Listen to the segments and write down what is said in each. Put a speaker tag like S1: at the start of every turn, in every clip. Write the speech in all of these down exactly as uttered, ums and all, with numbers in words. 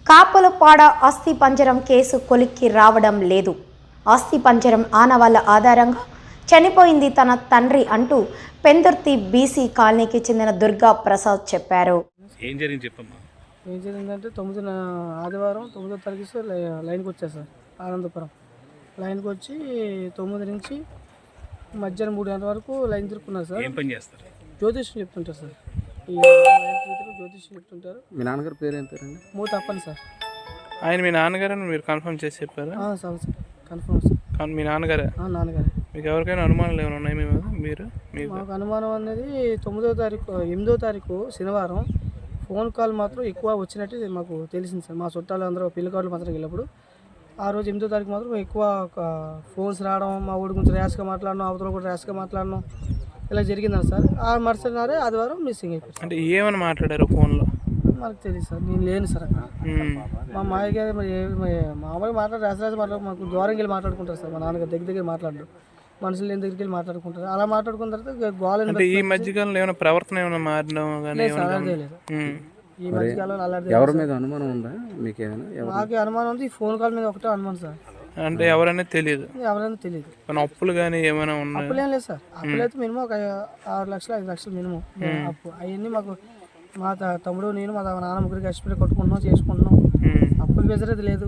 S1: కాపులపాడ అస్థిపంజరం case కొలిక్కి రావడం లేదు. అస్థిపంజరం ఆనవాళ్ల ఆధారంగా చనిపోయింది తన తండ్రి అంటూ పెందుర్తి బీసీ కాలనీకి చెందిన దుర్గా ప్రసాద్ చెప్పారు.
S2: ఏం జరిగింది చెప్పమ్మా?
S3: ఏం జరిగిందంటే తొమ్మిదిన ఆదివారం తొమ్మిదో తారీఖు లైన్కి వచ్చారు సార్. ఆనందపురం లైన్కి వచ్చి తొమ్మిది నుంచి మధ్యాహ్నం మూడు గంటల వరకు లైన్ తిరుక్కున్నారు సార్.
S2: ఏం పని చేస్తారు?
S3: జ్యోతిష్యం చెప్తుంటారు సార్. ఈ జ్యోతిష్యం చెప్తుంటారు.
S4: మీ నాన్నగారు పేరు ఏం పేరండి?
S3: మూత అప్పని సార్.
S5: ఆయన మీ నాన్నగారు మీరు కన్ఫర్మ్ చేసి చెప్పారా?
S3: Sir sir confirm sir.
S5: మీ నాన్నగారే?
S3: నాన్నగారే.
S5: మీకు ఎవరికైనా అనుమానాలు ఏమైనా ఉన్నాయి మీ మీరు
S3: మాకు అనుమానం అనేది తొమ్మిదో తారీఖు ఎనిమిదో తారీఖు శనివారం ఫోన్ కాల్ మాత్రం ఎక్కువ వచ్చినట్టు మాకు తెలిసింది సార్. మా చుట్టాలు అందరూ పెళ్లి కార్డులు మాత్రం వెళ్ళినప్పుడు ఆ రోజు ఎనిమిదో తారీఖు మాత్రం ఎక్కువ ఫోన్స్ రావడం, మా ఊడి గురించి ర్యాష్గా మాట్లాడడం, అవతల కూడా ర్యాష్గా మాట్లాడడం ఇలా జరిగిందని సార్. ఆ మరుసటి నాడే ఆదివారం మిస్సింగ్ అయిపోయింది.
S5: అంటే ఏమని మాట్లాడారు ఫోన్లో?
S3: మనకు తెలియదు సార్, నేను లేను సార్ అక్కడ. మా మాయ గారు మరి మామూలుగా మాట్లాడు ర్యాస్ రాసి మాట్లాడు మాకు దూరంకి వెళ్ళి మాట్లాడుకుంటారు సార్. మా నాన్నగారు దగ్గర దగ్గర మాట్లాడు మనుషులు లేని దగ్గరికి వెళ్ళి మాట్లాడుకుంటారు. అలా మాట్లాడుకున్న తర్వాత గోల
S5: ఈ మధ్యకాలంలో ఏమైనా ప్రవర్తన ఏమైనా మారడం
S3: లేదు. ఈ మధ్యకాలంలో అలా
S4: ఎవరి మీద అనుమానం ఉందా మీకు? ఏమైనా
S3: మాకు అనుమానం ఉంది. ఈ ఫోన్ కాల్ మీద ఒకటే అనుమానం సార్.
S5: అంటే ఎవరైనా తెలియదు?
S3: ఎవరైనా తెలియదు.
S5: అప్పులు కానీ ఏమైనా ఉన్నాయి?
S3: అప్పులు ఏం లేదు సార్. అప్పులు అయితే మినిమం ఒక ఆరు లక్షలు ఐదు లక్షలు మినిమం అప్పు. అవన్నీ మాకు మా తమ్ముడు నేను మా నాన్న ముగ్గురికి కష్టపడి కొట్టుకుంటున్నాం, చేసుకుంటున్నాం. అప్పులు బెజరేది లేదు,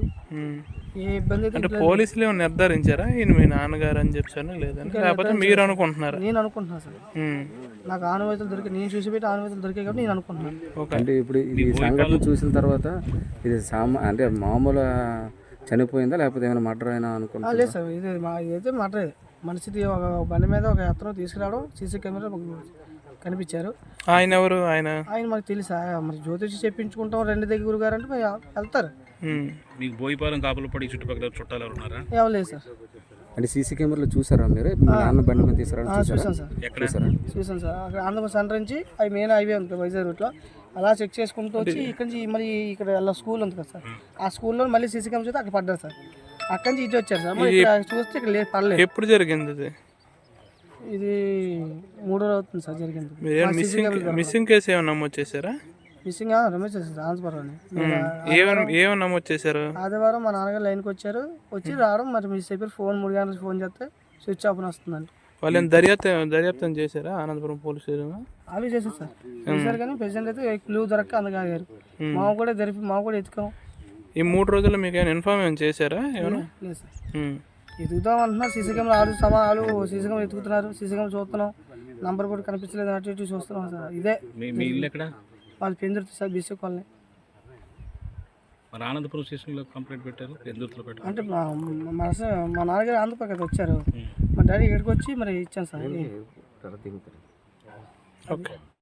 S3: ఏ ఇబ్బంది
S5: అంటే పోలీసులు ఏమైనా నిర్ధారించారా ఈయన మీ నాన్నగారు అని చెప్పాను లేదని? లేకపోతే మీరు అనుకుంటున్నారా?
S3: నేను అనుకుంటున్నాను సార్. నాకు ఆనవాయితీలు దొరికి నేను చూసి పెట్టి ఆనవాయితీలు దొరికాయి కాబట్టి నేను అనుకుంటున్నాను.
S4: అంటే ఇప్పుడు ఈ సంఘటన చూసిన తర్వాత ఇది సామా అంటే మామూలు చనిపోయిందా లేకపోతే ఏమైనా మర్డర్ అయినా అనుకుంటున్నా?
S3: లేదు సార్, ఇది మా ఇదైతే మర్డర్. మనిషిది ఒక బండి మీద ఒక అతను తీసుకురావడం సీసీ కెమెరా కనిపించారు.
S5: ఆయన ఎవరు? ఆయన
S3: ఆయన మాకు తెలుసా? మరి జ్యోతిషి చెప్పించుకుంటాం రెండు దగ్గర గురువు గారు అంటే వెళ్తారు.
S2: మీకు బోయిపాలెం కాపులపాడి చుట్టుపక్కల చుట్టాలు ఎవరు ఉన్నారా?
S3: ఎవరు లేదు సార్.
S4: అంటే సీసీ కెమెరాలో చూసారా మీరు? నాన్న బండి మీద తీసుకురా
S3: చూసాను సార్.
S2: చూసారా?
S3: చూసాను సార్. అక్కడ ఆంధ్రప్రదేశ్ సెంటర్ నుంచి అవి మెయిన్ హైవే ఉంటుంది వైజాగ్ రూట్లో. అలా చెక్ చేసుకుంటూ వచ్చి ఇక్కడ నుంచి మళ్ళీ ఇక్కడ అలా స్కూల్ ఉంది కదా సార్. ఆ స్కూల్లో మళ్ళీ సీసీ కెమెరా చూస్తే అక్కడ పడ్డారు సార్. అక్కడి నుంచి ఇటు వచ్చారు సార్. మరి ఇక్కడ చూస్తే ఇక్కడ లేదు, పడలేదు.
S5: ఎప్పుడు జరిగింది ఇది?
S3: ఇది మూడో రోజు అవుతుంది సార్ జరిగింది.
S5: మిస్సింగ్ కేసు ఏమైనా నమోదు చేశారా?
S3: Missing Ramesh sir Andhrapuram.
S5: ఏమైనా నమోదు చేశారు?
S3: ఆదివారం మా నాన్నగారు లైన్కి వచ్చారు. వచ్చి రావడం మరి మిస్ అయిపోయి ఫోన్ మూడు గంటలకు ఫోన్ చేస్తే స్విచ్ ఆఫ్ అని వస్తుందండి.
S5: వాళ్ళు దర్యాప్తు దర్యాప్తం చేశారా అనంతపురం పోలీస్ స్టేషన్?
S3: అవి చేశారు సార్. చేశారు కానీ ప్రెసిడెంట్ అయితే క్లూ దొరక్క అందగారు. మా కూడా జరిపి మా కూడా ఎత్తుకాం.
S5: ఈ మూడు రోజుల్లో మీకు ఏమైనా ఇన్ఫార్మ్ ఏమైనా చేశారా? ఏమైనా
S3: లేదు సార్. ఎదుగుతాం అంటున్నారు. సీసీ కెమెరా ఆరు సమా ఆలు సీసీ కెమెరా ఎత్తుకుతున్నారు. సీసీ కెమెరా చూస్తున్నాం, నంబర్ కూడా కనిపించలేదు అటు ఇటు చూస్తున్నాం సార్. ఇదే
S2: మీ ఇల్లు ఎక్కడ?
S3: వాళ్ళు పెందుర్తి సార్, బీసీ కాలనీ.
S2: మరి ఆనందపురం స్టేషన్లో కంప్లైంట్ పెట్టారు, పెందుర్తిలో పెట్టారు
S3: అంటే మా మా మా నాన్నగారు ఆంధ్రప్రదేశ్ కదా వచ్చారు. మా డాడీ ఇక్కడికి వచ్చి మరి ఇచ్చాను సార్.
S5: ఓకే.